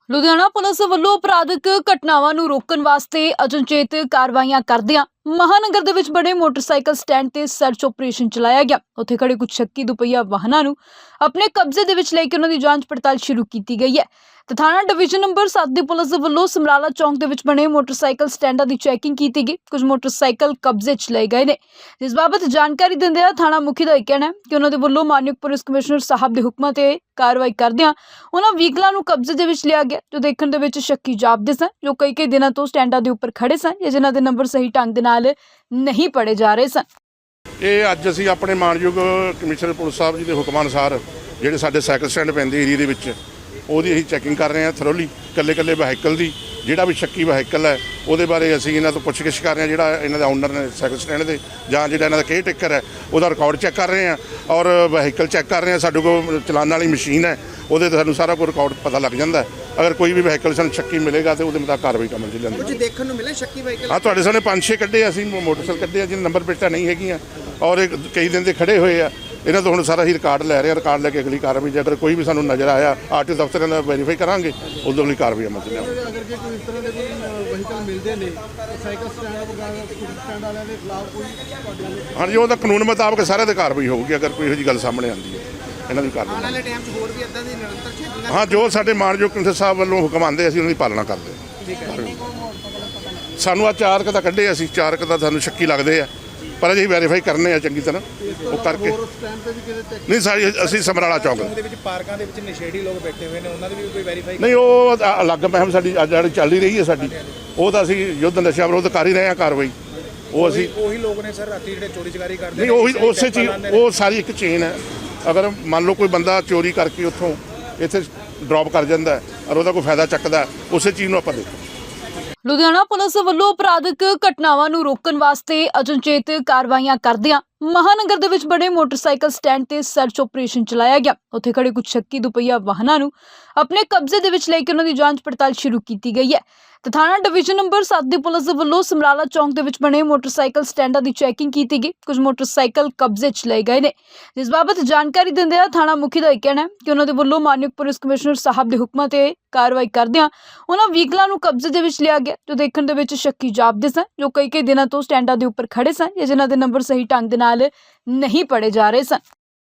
Ludhiana police ਵੱਲੋਂ ਅਪਰਾਧਿਕ ਘਟਨਾਵਾਂ ਨੂੰ ਰੋਕਣ ਵਾਸਤੇ ਅਚਨਚੇਤ ਕਾਰਵਾਈਆਂ ਕਰਦਿਆਂ ਮਹਾਨਗਰ ਦੇ ਵਿੱਚ ਬਣੇ ਮੋਟਰਸਾਈਕਲ ਸਟੈਂਡ ਤੇ ਸਰਚ ਆਪਰੇਸ਼ਨ ਚਲਾਇਆ ਗਿਆ। ਉੱਥੇ ਖੜੇ ਕੁਝ ਸ਼ੱਕੀ ਦੁਪਹੀਆ ਵਾਹਨਾਂ ਨੂੰ ਆਪਣੇ ਕਬਜ਼ੇ ਦੇ ਵਿੱਚ ਲੈ ਕੇ ਉਹਨਾਂ ਦੀ ਜਾਂਚ ਪੜਤਾਲ ਸ਼ੁਰੂ ਕੀਤੀ ਗਈ ਹੈ। ਤੇ ਥਾਣਾ ਡਿਵੀਜ਼ਨ ਨੰਬਰ 7 ਦੀ ਪੁਲਿਸ ਵੱਲੋਂ ਸਮਰਾਲਾ ਚੌਂਕ ਦੇ ਵਿੱਚ ਬਣੇ ਮੋਟਰਸਾਈਕਲ ਸਟੈਂਡਾਂ ਦੀ ਚੈਕਿੰਗ ਕੀਤੀ ਗਈ। ਕੁਝ ਮੋਟਰਸਾਈਕਲ ਕਬਜ਼ੇ 'ਚ ਲਏ ਗਏ ਨੇ, ਜਿਸ ਬਾਬਤ ਜਾਣਕਾਰੀ ਦਿੰਦਿਆਂ ਥਾਣਾ ਮੁਖੀ ਦਾ ਇਹ ਕਹਿਣਾ ਹੈ ਕਿ ਉਹਨਾਂ ਦੇ ਵੱਲੋਂ ਮਾਨਯੋਗ ਪੁਲਿਸ ਕਮਿਸ਼ਨਰ ਸਾਹਿਬ ਦੇ ਹੁਕਮਾਂ ਤੇ ਕਾਰਵਾਈ ਕਰਦਿਆਂ ਉਹਨਾਂ ਵਹੀਕਲਾਂ ਨੂੰ ਕਬਜ਼ੇ ਦੇ ਵਿੱਚ ਲਿਆ ਗਿਆ ਜੋ ਦੇਖਣ ਦੇ ਵਿੱਚ ਸ਼ੱਕੀ ਜਾਪਦੇ ਸਨ, ਜੋ ਕਈ ਦਿਨਾਂ ਤੋਂ ਸਟੈਂਡਾਂ ਦੇ ਉੱਪਰ ਖੜੇ ਸਨ ਜਾਂ ਜਿਨ੍ਹਾਂ ਦੇ ਨੰਬਰ ਸਹੀ ਢੰਗ ਦੇ ਨਾਲ ਨਹੀਂ ਪੜੇ ਜਾ ਰਹੇ ਸਨ। ਇਹ ਅੱਜ ਅਸੀਂ ਆਪਣੇ ਮਾਨਯੋਗ ਕਮਿਸ਼ਨਰ ਪੁਲਿਸ ਸਾਹਿਬ ਜੀ ਦੇ ਹੁਕਮਾਂ ਅਨੁਸਾਰ ਜਿਹੜੇ ਸਾਡੇ ਸਾਈਕਲ ਸਟੈਂਡ ਪੈਂਦੇ ਏਰੀਆ ਦੇ ਵਿੱਚ ਉਹਦੀ ਅਸੀਂ ਚੈਕਿੰਗ ਕਰ ਰਹੇ ਹਾਂ ਥਰੋਲੀ। ਕੱਲੇ ਵਹੀਕਲ ਦੀ ਜਿਹੜਾ ਵੀ ਸ਼ੱਕੀ ਵਹੀਕਲ ਹੈ ਉਹਦੇ ਬਾਰੇ ਅਸੀਂ ਇਹਨਾਂ ਤੋਂ ਪੁੱਛਗਿੱਛ ਕਰ ਰਹੇ ਹਾਂ। ਜਿਹੜਾ ਇਹਨਾਂ ਦਾ ਓਨਰ ਨੇ ਸਾਈਕਲ ਸਟੈਂਡ ਦੇ ਜਾਂ ਜਿਹੜਾ ਇਹਨਾਂ ਦਾ ਕੇਅਰ ਟੇਕਰ ਹੈ ਉਹਦਾ ਰਿਕਾਰਡ ਚੈੱਕ ਕਰ ਰਹੇ ਹਾਂ ਔਰ ਵਹੀਕਲ ਚੈੱਕ ਕਰ ਰਹੇ ਹਾਂ। ਸਾਡੇ ਕੋਲ ਚਲਾਨ ਵਾਲੀ ਮਸ਼ੀਨ ਹੈ, ਉਹਦੇ ਤੋਂ ਸਾਨੂੰ ਸਾਰਾ ਕੁਝ ਰਿਕਾਰਡ ਪਤਾ ਲੱਗ ਜਾਂਦਾ। ਅਗਰ ਕੋਈ ਵੀ ਵਹੀਕਲ ਸਾਨੂੰ ਸ਼ੱਕੀ ਮਿਲੇਗਾ ਤਾਂ ਉਹਦੇ ਮੁਤਾਬਕ ਕਾਰਵਾਈ ਕਰਨ ਚ ਜਾਂਦੀ। ਕੁਝ ਦੇਖਣ ਨੂੰ ਮਿਲੇ ਸ਼ੱਕੀ ਵਹੀਕਲ? ਹਾਂ, ਤੁਹਾਡੇ ਸਾਹਮਣੇ 5-6 ਕੱਢੇ ਅਸੀਂ ਮੋਟਰਸਾਈਕਲ ਕੱਢੇ ਆ ਜਿਹਨਾਂ ਨੰਬਰ ਪਲੇਟਾਂ ਨਹੀਂ ਹੈਗੀਆਂ ਔਰ ਕਈ ਦਿਨ ਦੇ ਖੜੇ ਹੋਏ ਆ। ਇਹਨਾਂ ਤੋਂ ਹੁਣ ਸਾਰਾ ਹੀ ਰਿਕਾਰਡ ਲੈ ਰਹੇ ਆ। ਰਿਕਾਰਡ ਲੈ ਕੇ ਅਗਲੀ ਕਾਰਵਾਈ ਜੇ ਅਗਰ ਕੋਈ ਵੀ ਸਾਨੂੰ ਨਜ਼ਰ ਆਇਆ ਆਰਟੀਓ ਦਫ਼ਤਰ ਦਾ ਵੈਰੀਫਾਈ ਕਰਾਂਗੇ, ਉਦੋਂ ਅਗਲੀ ਕਾਰਵਾਈ ਅਮਲ ਚ ਲਿਆਵਾਂਗੇ। ਅਗਰ ਜੇ ਕੋਈ ਇਸ ਤਰ੍ਹਾਂ ਦੇ ਕੋਈ ਵਹੀਕਲ ਮਿਲਦੇ ਨੇ ਸਾਈਕਲ ਸਟੈਂਡ ਵਗੈਰਾ ਸਟੈਂਡ ਵਾਲਿਆਂ ਦੇ ਖਿਲਾਫ ਕੋਈ ਹਾਂਜੀ, ਉਹਦਾ ਕਾਨੂੰਨ ਮੁਤਾਬਕ ਸਾਰਿਆਂ 'ਤੇ ਕਾਰਵਾਈ ਹੋਊਗੀ। ਅਗਰ ਕੋਈ ਇਹੋ ਜਿਹੀ ਗੱਲ ਸਾਹਮਣੇ ਆਉਂਦੀ ਹੈ ਇਹਨਾਂ ਦੀ ਕਾਰਵਾਈ। ਆਉਣ ਵਾਲੇ ਟਾਈਮ 'ਚ ਹੋਰ ਵੀ ਇੱਦਾਂ ਦੀ ਨਿਰੰਤਰ ਚੈਕਿੰਗ? ਹਾਂ, ਜੋ ਸਾਡੇ ਮਾਨਯੋਗ ਕਮਿਸ਼ਨਰ ਸਾਹਿਬ ਵੱਲੋਂ ਹੁਕਮ ਆਉਂਦੇ ਅਸੀਂ ਉਹਨਾਂ ਦੀ ਪਾਲਣਾ ਕਰਦੇ ਹਾਂ। ਸਾਨੂੰ ਆ 4 ਕੁ ਤਾਂ ਕੱਢੇ ਅਸੀਂ 4 ਕੁ ਤਾਂ ਸਾਨੂੰ ਸ਼ੱਕੀ ਲੱਗਦੇ ਆ, ਪਰ ਅਜੇ ਵੈਰੀਫਾਈ ਕਰਨੇ ਆ ਚੰਗੀ ਤਰ੍ਹਾਂ ਉਹ ਕਰਕੇ। ਨਹੀਂ, ਸਾਰੀ ਅਸੀਂ ਸਮਰਾਲਾ ਚੌਂਕ ਦੇ ਵਿੱਚ ਪਾਰਕਾਂ ਦੇ ਵਿੱਚ ਨਸ਼ੇੜੀ ਲੋਕ ਬੈਠੇ ਹੋਏ ਨੇ, ਉਹਨਾਂ ਦੀ ਵੀ ਕੋਈ ਵੈਰੀਫਾਈ? ਨਹੀਂ, ਉਹ ਅਲੱਗ ਮਹਿਮ ਸਾਡੀ ਅੱਜ ਜਿਹੜੀ ਚੱਲ ਹੀ ਰਹੀ ਹੈ ਸਾਡੀ, ਉਹ ਤਾਂ ਅਸੀਂ ਯੁੱਧ ਨਸ਼ਾ ਵਿਰੋਧ ਕਰ ਹੀ ਰਹੇ ਹਾਂ ਕਾਰਵਾਈ। ਉਹ ਅਸੀਂ ਉਹੀ ਲੋਕ ਨੇ ਸਰ ਰਾਤੀ ਜਿਹੜੇ ਚੋਰੀ ਚਕਾਰੀ ਕਰਦੇ ਨਹੀਂ, ਉਹੀ ਉਸੇ ਚੀਜ਼ ਉਹ ਸਾਰੀ ਇੱਕ ਚੇਨ ਹੈ। ਅਗਰ ਮੰਨ ਲਓ ਕੋਈ ਬੰਦਾ ਚੋਰੀ ਕਰਕੇ ਉੱਥੋਂ ਇੱਥੇ ਡ੍ਰੌਪ ਕਰ ਜਾਂਦਾ ਔਰ ਉਹਦਾ ਕੋਈ ਫਾਇਦਾ ਚੱਕਦਾ, ਉਸੇ ਚੀਜ਼ ਨੂੰ ਆਪਾਂ ਦੇਖੋ। ਲੁਧਿਆਣਾ ਪੁਲਿਸ ਵੱਲੋਂ ਅਪਰਾਧਿਕ ਘਟਨਾਵਾਂ ਨੂੰ ਰੋਕਣ ਵਾਸਤੇ ਅਚਨਚੇਤ ਕਾਰਵਾਈਆਂ ਕਰਦਿਆਂ ਮਹਾਨਗਰ ਦੇ ਵਿੱਚ ਬਣੇ ਮੋਟਰਸਾਈਕਲ ਸਟੈਂਡ ਤੇ ਸਰਚ ਆਪਰੇਸ਼ਨ ਚਲਾਇਆ ਗਿਆ। ਉੱਥੇ ਖੜੇ ਕੁਝ ਸ਼ੱਕੀ ਦੁਪਹੀਆ ਵਾਹਨਾਂ ਨੂੰ ਆਪਣੇ ਕਬਜ਼ੇ ਦੇ ਵਿੱਚ ਲੈ ਕੇ ਉਹਨਾਂ ਦੀ ਜਾਂਚ ਪੜਤਾਲ ਸ਼ੁਰੂ ਕੀਤੀ ਗਈ ਹੈ। ਤੇ ਥਾਣਾ ਡਿਵੀਜ਼ਨ ਨੰਬਰ 7 ਦੀ ਪੁਲਿਸ ਵੱਲੋਂ ਸਮਰਾਲਾ ਚੌਂਕ ਦੇ ਵਿੱਚ ਬਣੇ ਮੋਟਰਸਾਈਕਲ ਸਟੈਂਡਾਂ ਦੀ ਚੈਕਿੰਗ ਕੀਤੀ ਗਈ। ਕੁਝ ਮੋਟਰਸਾਈਕਲ ਕਬਜ਼ੇ 'ਚ ਲਏ ਗਏ ਨੇ, ਜਿਸ ਬਾਬਤ ਜਾਣਕਾਰੀ ਦਿੰਦਿਆਂ ਥਾਣਾ ਮੁਖੀ ਦਾ ਇਹ ਕਹਿਣਾ ਹੈ ਕਿ ਉਹਨਾਂ ਦੇ ਵੱਲੋਂ ਮਾਨਯੋਗ ਪੁਲਿਸ ਕਮਿਸ਼ਨਰ ਸਾਹਿਬ ਦੇ ਹੁਕਮਾਂ ਤੇ ਕਾਰਵਾਈ ਕਰਦਿਆਂ ਉਹਨਾਂ ਵਹੀਕਲਾਂ ਨੂੰ ਕਬਜ਼ੇ ਦੇ ਵਿੱਚ ਲਿਆ ਗਿਆ ਜੋ ਦੇਖਣ ਦੇ ਵਿੱਚ ਸ਼ੱਕੀ ਜਾਪਦੇ ਸਨ, ਜੋ ਕਈ ਦਿਨਾਂ ਤੋਂ ਸਟੈਂਡਾਂ ਦੇ ਉੱਪਰ ਖੜੇ ਸਨ ਜਾਂ ਜਿਨ੍ਹਾਂ ਦੇ ਨੰਬਰ ਸਹੀ ਢੰਗ ਦੇ ਨਾਲ ਨਹੀਂ ਪੜੇ ਜਾ ਰਹੇ ਸਨ।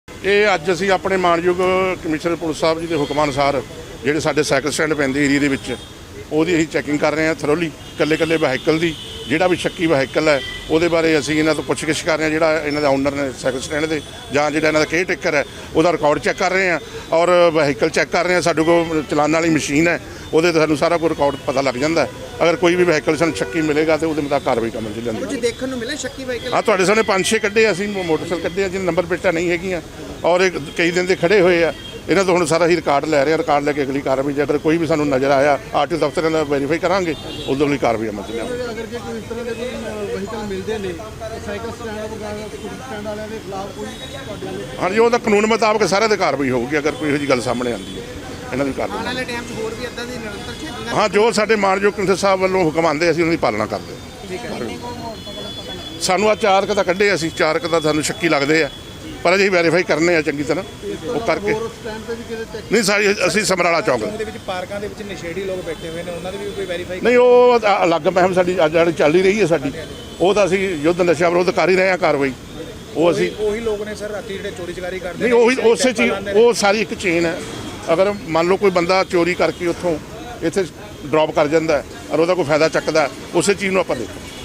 ਇਹ ਅੱਜ ਅਸੀਂ ਆਪਣੇ ਮਾਨਯੋਗ ਕਮਿਸ਼ਨਰ ਪੁਲਿਸ ਸਾਹਿਬ ਜੀ ਦੇ ਹੁਕਮਾਂ ਅਨੁਸਾਰ ਜਿਹੜੇ ਸਾਡੇ ਸਾਈਕਲ ਸਟੈਂਡ ਪੈਂਦੇ ਏਰੀਆ ਦੇ ਵਿੱਚ ਉਹਦੀ ਅਸੀਂ ਚੈਕਿੰਗ ਕਰ ਰਹੇ ਹਾਂ ਥਰੋਲੀ। ਕੱਲੇ ਵਹੀਕਲ ਦੀ ਜਿਹੜਾ ਵੀ ਸ਼ੱਕੀ ਵਹੀਕਲ ਹੈ ਉਹਦੇ ਬਾਰੇ ਅਸੀਂ ਇਹਨਾਂ ਤੋਂ ਪੁੱਛਗਿੱਛ ਕਰ ਰਹੇ ਹਾਂ। ਜਿਹੜਾ ਇਹਨਾਂ ਦਾ ਓਨਰ ਨੇ ਸਾਈਕਲ ਸਟੈਂਡ ਦੇ ਜਾਂ ਜਿਹੜਾ ਇਹਨਾਂ ਦਾ ਕੇਅਰ ਟੇਕਰ ਹੈ ਉਹਦਾ ਰਿਕਾਰਡ ਚੈੱਕ ਕਰ ਰਹੇ ਹਾਂ ਔਰ ਵਹੀਕਲ ਚੈੱਕ ਕਰ ਰਹੇ ਹਾਂ। ਸਾਡੇ ਕੋਲ ਚਲਾਨ ਵਾਲੀ ਮਸ਼ੀਨ ਹੈ, ਉਹਦੇ ਤੋਂ ਸਾਨੂੰ ਸਾਰਾ ਕੁਝ ਰਿਕਾਰਡ ਪਤਾ ਲੱਗ ਜਾਂਦਾ। ਅਗਰ ਕੋਈ ਵੀ ਵਹੀਕਲ ਸਾਨੂੰ ਸ਼ੱਕੀ ਮਿਲੇਗਾ ਤਾਂ ਉਹਦੇ ਮੁਤਾਬਕ ਕਾਰਵਾਈ ਕਰਨ ਚ ਜਾਂਦੀ। ਕੁਝ ਦੇਖਣ ਨੂੰ ਮਿਲੇ ਸ਼ੱਕੀ ਵਹੀਕਲ? ਹਾਂ, ਤੁਹਾਡੇ ਸਾਹਮਣੇ 5-6 ਕੱਢੇ ਅਸੀਂ ਮੋਟਰਸਾਈਕਲ ਕੱਢੇ ਆ ਜਿਹਨਾਂ ਨੰਬਰ ਪਲੇਟਾਂ ਨਹੀਂ ਹੈਗੀਆਂ ਔਰ ਕਈ ਦਿਨ ਦੇ ਖੜੇ ਹੋਏ ਆ। ਇਹਨਾਂ ਤੋਂ ਹੁਣ ਸਾਰਾ ਹੀ ਰਿਕਾਰਡ ਲੈ ਰਹੇ ਆ। ਰਿਕਾਰਡ ਲੈ ਕੇ ਅਗਲੀ ਕਾਰਵਾਈ ਜੇ ਅਗਰ ਕੋਈ ਵੀ ਸਾਨੂੰ ਨਜ਼ਰ ਆਇਆ ਆਰਟੀਓ ਦਫ਼ਤਰ ਦਾ ਵੈਰੀਫਾਈ ਕਰਾਂਗੇ, ਉਦੋਂ ਅਗਲੀ ਕਾਰਵਾਈ ਅਮਲ ਚ ਲਿਆਵਾਂਗੇ। ਅਗਰ ਜੇ ਕੋਈ ਇਸ ਤਰ੍ਹਾਂ ਦੇ ਕੋਈ ਵਹੀਕਲ ਮਿਲਦੇ ਨੇ ਸਾਈਕਲ ਸਟੈਂਡ ਵਗੈਰਾ ਸਟੈਂਡ ਵਾਲਿਆਂ ਦੇ ਖਿਲਾਫ ਕੋਈ ਹਾਂਜੀ, ਉਹਦਾ ਕਾਨੂੰਨ ਮੁਤਾਬਕ ਸਾਰਿਆਂ 'ਤੇ ਕਾਰਵਾਈ ਹੋਊਗੀ। ਅਗਰ ਕੋਈ ਇਹੋ ਜਿਹੀ ਗੱਲ ਸਾਹਮਣੇ ਆਉਂਦੀ ਹੈ ਇਹਨਾਂ ਦੀ ਕਾਰਵਾਈ। ਆਉਣ ਵਾਲੇ ਟਾਈਮ 'ਚ ਹੋਰ ਵੀ ਇੱਦਾਂ ਦੀ ਨਿਰੰਤਰ ਚੈਕਿੰਗ? ਹਾਂ, ਜੋ ਸਾਡੇ ਮਾਨਯੋਗ ਕਮਿਸ਼ਨਰ ਸਾਹਿਬ ਵੱਲੋਂ ਹੁਕਮ ਆਉਂਦੇ ਅਸੀਂ ਉਹਨਾਂ ਦੀ ਪਾਲਣਾ ਕਰਦੇ ਹਾਂ। ਸਾਨੂੰ ਆ 4 ਕੁ ਤਾਂ ਕੱਢੇ ਅਸੀਂ 4 ਕੁ ਤਾਂ ਸਾਨੂੰ ਸ਼ੱਕੀ ਲੱਗਦੇ ਆ, ਪਰ ਅਜੇ ਵੈਰੀਫਾਈ ਕਰਨੇ ਆ ਚੰਗੀ ਤਰ੍ਹਾਂ ਉਹ ਕਰਕੇ। ਨਹੀਂ, ਸਾਰੀ ਅਸੀਂ ਸਮਰਾਲਾ ਚੌਂਕ ਦੇ ਵਿੱਚ ਪਾਰਕਾਂ ਦੇ ਵਿੱਚ ਨਸ਼ੇੜੀ ਲੋਕ ਬੈਠੇ ਹੋਏ ਨੇ, ਉਹਨਾਂ ਦੀ ਵੀ ਕੋਈ ਵੈਰੀਫਾਈ? ਨਹੀਂ, ਉਹ ਅਲੱਗ ਮਹਿਮ ਸਾਡੀ ਅੱਜ ਜਿਹੜੀ ਚੱਲ ਹੀ ਰਹੀ ਹੈ ਸਾਡੀ, ਉਹ ਤਾਂ ਅਸੀਂ ਯੁੱਧ ਨਸ਼ਾ ਵਿਰੋਧ ਕਰ ਹੀ ਰਹੇ ਹਾਂ ਕਾਰਵਾਈ। ਉਹ ਅਸੀਂ ਉਹੀ ਲੋਕ ਨੇ ਸਰ ਰਾਤੀ ਜਿਹੜੇ ਚੋਰੀ ਚਕਾਰੀ ਕਰਦੇ ਨਹੀਂ, ਉਹੀ ਉਸੇ ਚੀਜ਼ ਉਹ ਸਾਰੀ ਇੱਕ ਚੇਨ ਹੈ। ਅਗਰ ਮੰਨ ਲਓ ਕੋਈ ਬੰਦਾ ਚੋਰੀ ਕਰਕੇ ਉੱਥੋਂ ਇੱਥੇ ਡ੍ਰੌਪ ਕਰ ਜਾਂਦਾ ਔਰ ਉਹਦਾ ਕੋਈ ਫਾਇਦਾ ਚੱਕਦਾ, ਉਸੇ ਚੀਜ਼ ਨੂੰ ਆਪਾਂ ਦੇਖੋ।